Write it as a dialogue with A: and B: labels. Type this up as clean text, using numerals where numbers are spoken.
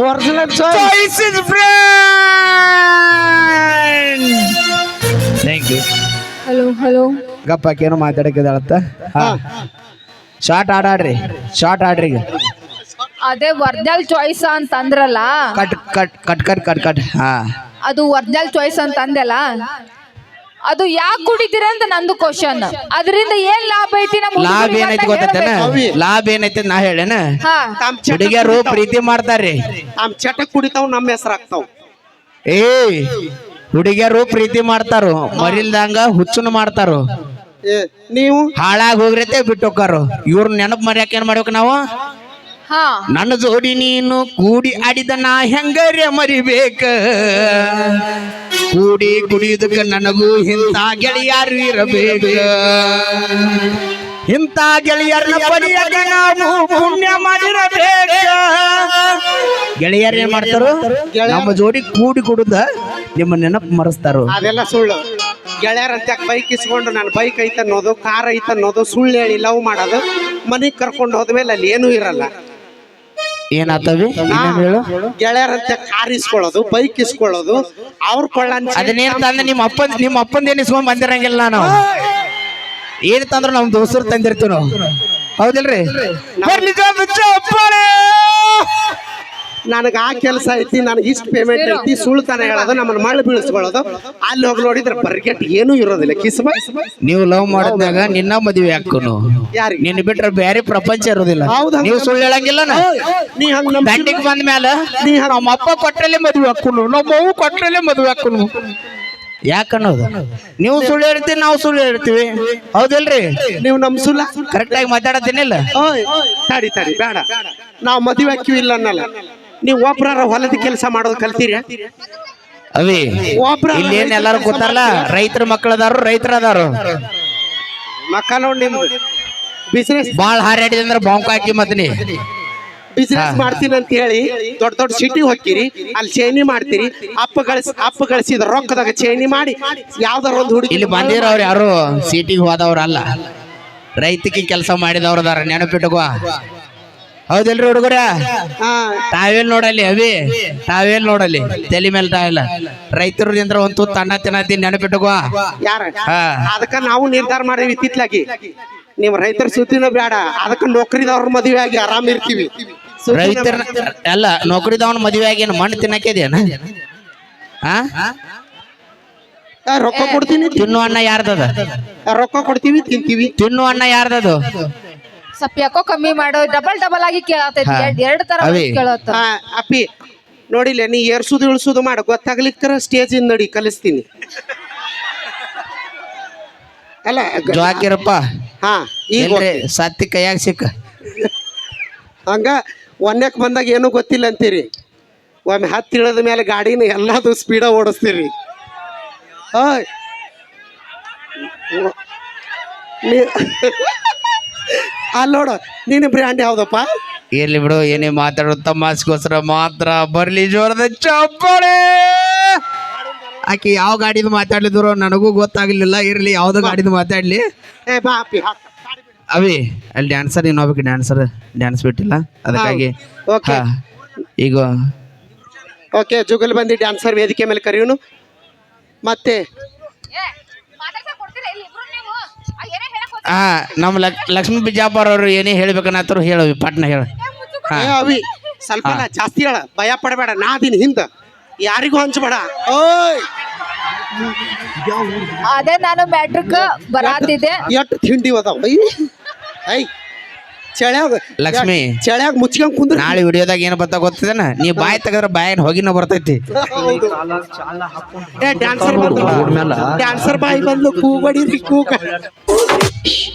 A: Original
B: choice is friend thank you
C: hello hello
B: ಗಪ್ಪಕ್ಕೇನು ಮಾತಾಡಕ್ಕಿದಾಳತ್ತ short ಆಡ್ರಿ ಶಾರ್ಟ್ ಆಡ್ರಿ ಈಗ
C: ಅದೇ ಒರಿಜಿನಲ್ ಚಾಯ್ಸ್ ಅಂತ ಅಂದ್ರಲ್ಲ
B: cut cut cut cut cut cut ಹಾ
C: ಅದು ಒರಿಜಿನಲ್ ಚಾಯ್ಸ್ ಅಂತ ಅಂದೆಲ್ಲ ಅದು ಯಾಕೆ ಕುಡಿತೀರ ಅಂತ ನಂದು ಕ್ವಶನ್ ಅದರಿಂದ ಏನ್ ಲಾಭ ಐತಿ ನಮ್ಮ
B: ಲಾಭ ಏನೈತಿ ಗೊತ್ತೇನ ಲಾಭ ಏನೈತಿ ನಾ ಹೇಳೇನ
C: ಹಾ
B: ಹುಡುಗಿಯರು ಪ್ರೀತಿ ಮಾಡ್ತಾರ್ರಿ
A: ನಮ್ ಚಟ ಕುಡಿತಾವ್ ನಮ್ಮ ಹೆಸರಾಗ್ತಾವ್
B: ಏ ಹುಡುಗಿಯರು ಪ್ರೀತಿ ಮಾಡ್ತಾರು ಮರಿಲ್ದಂಗ ಹುಚ್ಚುನು ಮಾಡ್ತಾರು
A: ನೀವು
B: ಹಾಳಾಗಿ ಹೋಗ್ರತೆ ಬಿಟ್ಟು ಹೋಗಾರು ಇವ್ರ ನೆನಪು ಮರ್ಯಾಕ ಏನ್ ಮಾಡ್ಬೇಕು ನಾವು
C: ಹಾ
B: ನನ್ನ ಜೋಡಿ ನೀನು ಕೂಡಿ ಆಡಿದ ನಾ ಹೆಂಗರೆ ಮರಿಬೇಕ ಕೂಡಿ ಕುಡಿಯುದಕ್ಕ ನನಗೂ ಇಂಥ ಗೆಳೆಯರು ಇರಬೇಕ ಇಂಥ ಗೆಳೆಯರನ್ನ ಪಡೆಯಕ ನಾವು ಪುಣ್ಯ ಮಾಡಿರಬೇಕ ಗೆಳೆಯರು ಏನ್ ಮಾಡ್ತಾರು ನಮ್ಮ ಜೋಡಿ ಕೂಡಿ ಕುಡುದ ನಿಮ್ಮ ನೆನಪು ಮರೆಸ್ತಾರು
A: ಅದೆಲ್ಲ ಸುಳ್ಳು ಗೆಳೆಯರಂತ ಬೈಕ್ ಇಸ್ಕೊಂಡು ನನ್ನ ಬೈಕ್ ಐತ ಅನ್ನೋದು ಕಾರ್ ಐತ ಅನ್ನೋದು ಸುಳ್ಳು ಹೇಳಿ ಲವ್ ಮಾಡೋದು ಮನೆಗ್ ಕರ್ಕೊಂಡು ಹೋದ್ಮೇಲೆ ಅಲ್ಲಿ ಏನೂ ಇರಲ್ಲ
B: ಏನಾತವಿ ಹೇಳು
A: ಗೆಳೆಯರಂತೆ ಕಾರ್ ಇಸ್ಕೊಳ್ಳೋದು ಬೈಕ್ ಇಸ್ಕೊಳ್ಳೋದು ಅವ್ರ ಕೊಳ್ಳ
B: ಅದನ್ನೇನ್ ತಂದ್ರೆ ನಿಮ್ಮ ಅಪ್ಪಂದ ಏನ್ ಇಸ್ಕೊಂಡ್ ಬಂದಿರಂಗಿಲ್ಲ ನಾವು ಏನ್ ತಂದ್ರು ನಮ್ ದೋಸ್ತರು ತಂದಿರ್ತೀವಿ ನಾವು ಹೌದಿಲ್ರಿ
A: ನನಗೆ ಆ ಕೆಲಸ ಐತಿ ನನಗೆ ಇಷ್ಟು ಪೇಮೆಂಟ್ ಐತಿ ಸುಳ್ತಾನ ಹೇಳೋದು ನಮ್ಮನ್ನ ಮಳೆ ಬೀಳಿಸ್ಕೊಳ್ಳೋದು ಅಲ್ಲಿ ಹೋಗಿ ನೋಡಿದ್ರೆ ಬರ್ಗೆಟ್ ಏನೂ ಇರೋದಿಲ್ಲ ಕಿಸ್ಮ
B: ನೀವು ಲವ್ ಮಾಡಿದ್ನಾಗ ನಿನ್ನ ಮದುವೆ ಹಾಕೋನು
A: ಯಾರಿಗೆ
B: ನಿನ್ನ ಬಿಟ್ರೆ ಬೇರೆ ಪ್ರಪಂಚ ಇರೋದಿಲ್ಲ
A: ಹೌದಾ?
B: ನೀವು ಸುಳ್ಳು ಹೇಳಂಗಿಲ್ಲ
A: ನೀ ಹಂಗ ನಮ್ಮ
B: ದಂಡಿಗೆ ಬಂದ ಮೇಲೆ ನಮ್ಮ ಅಪ್ಪ ಕೊಟ್ರಲ್ಲೇ ಮದುವೆ ಹಾಕೋನು ನಮ್ಮ ಅವ್ವ ಕೊಟ್ರಲ್ಲೇ ಮದುವೆ ಹಾಕೋನು ಯಾಕನ್ನೋದು ನೀವು ಸುಳ್ಳು ಹೇಳ್ತೀವಿ ನಾವು ಸುಳ್ಳು ಹೇಳ್ತೀವಿ ಹೌದಿಲ್ರಿ
A: ನೀವು ನಮ್ ಸುಳ್ಳ
B: ಕರೆಕ್ಟ್ ಆಗಿ ಮಾತಾಡತ್ತೀನಿಲ್ಲ
A: ಓಯ್ ತಡಿ ತಡಿ ಬೇಡ ನಾವು ಮದುವೆ ಹಾಕಿವಿ ಇಲ್ಲ ಅನ್ನಲ್ಲ ನೀವು ಒಬ್ರಾರ ಹೊಲದ ಕೆಲಸ ಮಾಡೋದು ಕಲ್ತೀರ
B: ಅವಿ
A: ಒಬ್ರ
B: ಇಲ್ಲಿ ಏನ್ ಎಲ್ಲಾರು ಗೊತ್ತಾರಲ್ಲ ರೈತರ ಮಕ್ಕಳದಾರು ರೈತರ ಅದಾರು
A: ಮಕ್ಕ ನೋಡಿ ನಿಮ್ದು ಬಿಸ್ನೆಸ್
B: ಬಾಳ್ ಹಾರಾಡಿದಂದ್ರ ಬಾಂಕ್ ಹಾಕಿ ಮತ್ನಿ
A: ಬಿಸ್ನೆಸ್ ಮಾಡ್ತೀನಿ ಅಂತ ಹೇಳಿ ದೊಡ್ಡ ದೊಡ್ಡ ಸಿಟಿ ಹೋಗ್ತೀರಿ ಅಲ್ಲಿ ಚೈನಿ ಮಾಡ್ತೀರಿ ಅಪ್ಪ ಗಳಿಸಿದ ರೊಕ್ಕದಾಗ ಚೈನಿ ಮಾಡಿ ಯಾವ್ದಾರ ಒಂದು ಹುಡುಗಿ
B: ಇಲ್ಲಿ ಬಂದಿರೋರು ಯಾರು ಸಿಟಿಗೆ ಹೋದವ್ರಲ್ಲ ರೈತಕ್ಕೆ ಕೆಲಸ ಮಾಡಿದವ್ರದಾರ ನೆನಪಿಟ್ಟುಕೋ ಹೌದಿಲ್ರಿ ಹುಡುಗರ ತಾವೇಲ್ ನೋಡಲಿ ಅವಿ ತಾವೇಲ್ ನೋಡಲಿ ತಲೆ ಮೇಲೆ ತಾವಿಲ್ಲ ರೈತರು ನಿಂದ್ರ ಒಂದು ತುತ್ತು ಅನ್ನ ತಿನ್ನತ್ತೀನಿ ನೆನಪಿಟ್ಟುಕೋ
A: ಯಾರ
B: ಹಾ
A: ಅದಕ್ಕ ನಾವು ನಿರ್ಧಾರ ಮಾಡೇವಿ ಇತ್ತಿತ್ಲಾಗಿ ನೀವು ರೈತರ ಸುದ್ದಿನ ಬೇಡ ಅದಕ್ಕ ನೌಕರಿದವ್ರ ಮದುವೆ ಆಗಿ ಆರಾಮ್ ಇರ್ತೀವಿ
B: ರೈತರ ಅಲ್ಲ ನೌಕರಿದವನ ಮದುವೆ ಆಗಿ ಏನು ಮಣ್ಣು ತಿನ್ನಕ್ಕಿದೇನ ಹಾ
A: ರೊಕ್ಕ ಕೊಡ್ತೀನಿ
B: ತಿನ್ನು ಅನ್ನ ಯಾರ್ದದ
A: ರೊಕ್ಕ ಕೊಡ್ತೀವಿ ತಿಂತೀವಿ
B: ತಿನ್ನು ಅನ್ನ ಯಾರ್ದದು
C: ಸ್ವಲ್ಪ ಯಾಕೋ ಕಮ್ಮಿ ಮಾಡೋ ಡಬಲ್ ಆಗಿ ಕೇಳತೈತಿ ಎರಡ್ ತರ
B: ಅವಿ.
C: ಕೇಳತ್ತ
A: ಅಪ್ಪಿ ನೋಡಿಲ್ಲ ನೀ ಏರ್ಸುದು ಇಳಿಸುದು ಮಾಡ ಗೊತ್ತಾಗ್ಲಿಕ್ಕರ ಸ್ಟೇಜ್ ಇಂದ ನಡಿ ಕಲಿಸ್ತೀನಿ ಅಲ್ಲ
B: ಜೋಕಿರಪ್ಪ
A: ಹಾ ಈಗ
B: ಇಲ್ರಿ ಸತ್ತಿ ಕೈಯಾಗ ಸಿಕ್ಕ
A: ಹಂಗ ಒಂದಕ್ಕೆ ಬಂದಾಗ ಏನೂ ಗೊತ್ತಿಲ್ಲ ಅಂತೀರಿ ಒಮ್ಮೆ ಹತ್ತಿ ಇಳಿದ ಮೇಲೆ ಗಾಡಿನ ಎಲ್ಲದು ಸ್ಪೀಡ ಓಡಿಸ್ತೀರಿ ಓಯ್ ಅಲ್ಲಿ ನೋಡು ನೀನು ಬ್ರ್ಯಾಂಡ್ ಯಾವ್ದಪ್ಪ
B: ಇರ್ಲಿ ಬಿಡು ಏನೇ ಮಾತಾಡೋ ತಮಾಸ್ಗೋಸ್ಕರ ಮಾತ್ರ ಬರ್ಲಿ ಜೋರದ ಚಪ್ಪಾಳೆ ಆಕಿ ಯಾವ ಗಾಡಿದು ಮಾತಾಡ್ಲಿದ್ರು ನನಗೂ ಗೊತ್ತಾಗ್ಲಿಲ್ಲ ಇರ್ಲಿ ಯಾವ್ದು ಗಾಡಿದು ಮಾತಾಡ್ಲಿ
A: ಏ ಬಾ ಅಪ್ಪಿ ಹಾಕ
B: ಅವಿ ಅಲ್ಲಿ ಡ್ಯಾನ್ಸರ್ ಇನ್ನೊಬ್ಬಕ್ಕೆ ಡ್ಯಾನ್ಸ್ ಬಿಟ್ಟಿಲ್ಲ ಅದಕ್ಕಾಗಿ
A: ಓಕೆ
B: ಹಾ, ಈಗ
A: ಓಕೆ ಜುಗಲ್ ಬಂದು ಡ್ಯಾನ್ಸರ್ ವೇದಿಕೆ ಮೇಲೆ ಕರೆಯೋನು ಮತ್ತೆ
B: ಹಾ ನಮ್ಮ ಲಕ್ಷ್ಮೀ ಬಿಜಾಪುರ ಅವರು ಏನೇ ಹೇಳ್ಬೇಕನ್ನತ್ತರು ಹೇಳವಿ ಪಟ್ನ ಹೇಳ
A: ಏ ಅವಿ ಸ್ವಲ್ಪ ಅಲ್ಲ, ಜಾಸ್ತಿ ಹೇಳ ಭಯ ಪಡಬೇಡ ನಾ ಅದೀನಿ ಹಿಂದ ಯಾರಿಗೂ ಹಂಚಬೇಡ ಓಯ್
C: ಅದೇ ನಾನು ಮ್ಯಾಟ್ರಿಕ್ ಬರಾತಿದ್ದೆ
A: ಎಷ್ಟು ತಿಂಡಿ ಅದಾವ ಐ ಚಳ್ಯಾಗ
B: ಲಕ್ಷ್ಮಿ
A: ಚಳ್ಯಾಗ ಮುಚ್ಕೊಂಡ್ ಕುಂದ್ರ
B: ನಾಳೆ ವಿಡಿಯೋದಾಗ ಏನು ಬರ್ತಾ ಗೊತ್ತಿದೇನ ನೀ ಬಾಯಿ ತೆಗದ್ರ ಬಾಯಿನ ಹೋಗಿನ ಬರ್ತೈತಿ
A: ಡ್ಯಾನ್ಸರ್ ಬಂದು ಡ್ಯಾನ್ಸರ್ ಬಾಯಿ ಬಂದು ಕೂಗಡಿರಿ ಕೂಗ